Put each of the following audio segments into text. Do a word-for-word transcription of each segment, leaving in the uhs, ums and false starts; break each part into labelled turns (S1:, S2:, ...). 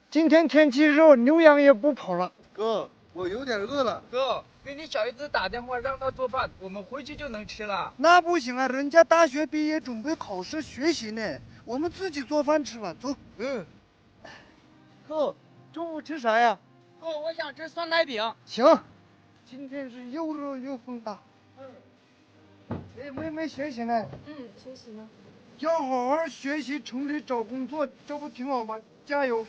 S1: 今天天气热，牛羊也不跑了。
S2: 哥，我有点饿了。
S3: 哥，给你小姨子打电话，让她做饭，我们回去就能吃了。
S1: 那不行啊，人家大学毕业准备考试学习呢，我们自己做饭吃吧。走。
S2: 嗯。哥，中午吃啥呀？
S3: 哥，我想吃酸奶饼。
S1: 行，今天是又热又风大。嗯。哎，妹妹学习呢？
S4: 嗯，学习呢。
S1: 要好好学习，城里找工作，这不挺好吗？加油！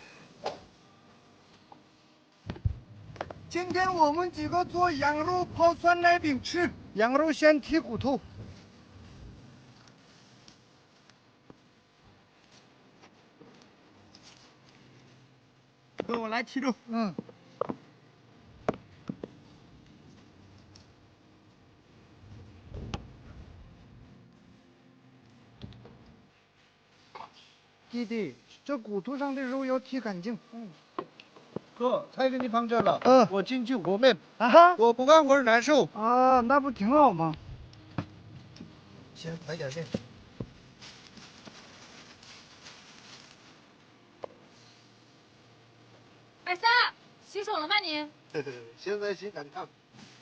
S1: 今天我们几个做羊肉泡酸奶饼吃，羊肉先剔骨头。
S2: 哥，我来剔肉。
S1: 嗯。弟弟，这骨头上的肉要剔干净。嗯。
S2: 哥，菜给你放这了。
S1: 嗯。
S2: 我进去和面。
S1: 啊哈。
S2: 我不干活难受。
S1: 啊，那不挺好吗？
S2: 先来点面。
S4: 二三，洗手了吗你？
S2: 现在洗赶烫。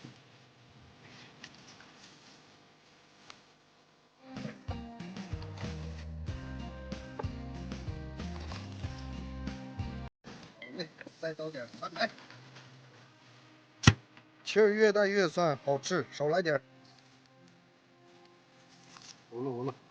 S2: 再倒点酸奶，气儿越大越酸，好吃，少来点。糊了糊了。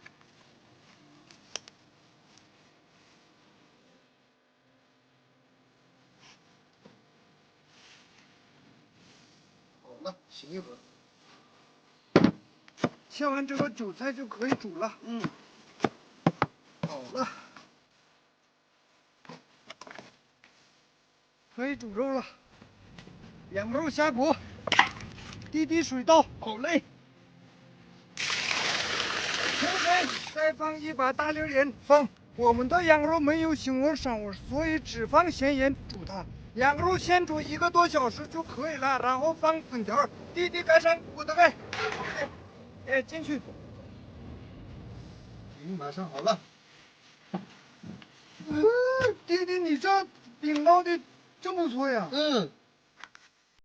S2: 好了，醒一会儿。
S1: 切完这个韭菜就可以煮了。
S2: 嗯。
S1: 好了。可以煮肉了，羊肉下锅，滴滴水倒，好嘞。清水，再放一把大粒盐，放。我们的羊肉没有腥味膻味，所以只放咸盐煮它。羊肉先煮一个多小时就可以了，然后放粉条，弟弟盖上锅的盖。哎，进去。
S2: 饼马上好了。
S1: 嗯，弟弟，你这饼烙的真不错呀。
S2: 嗯。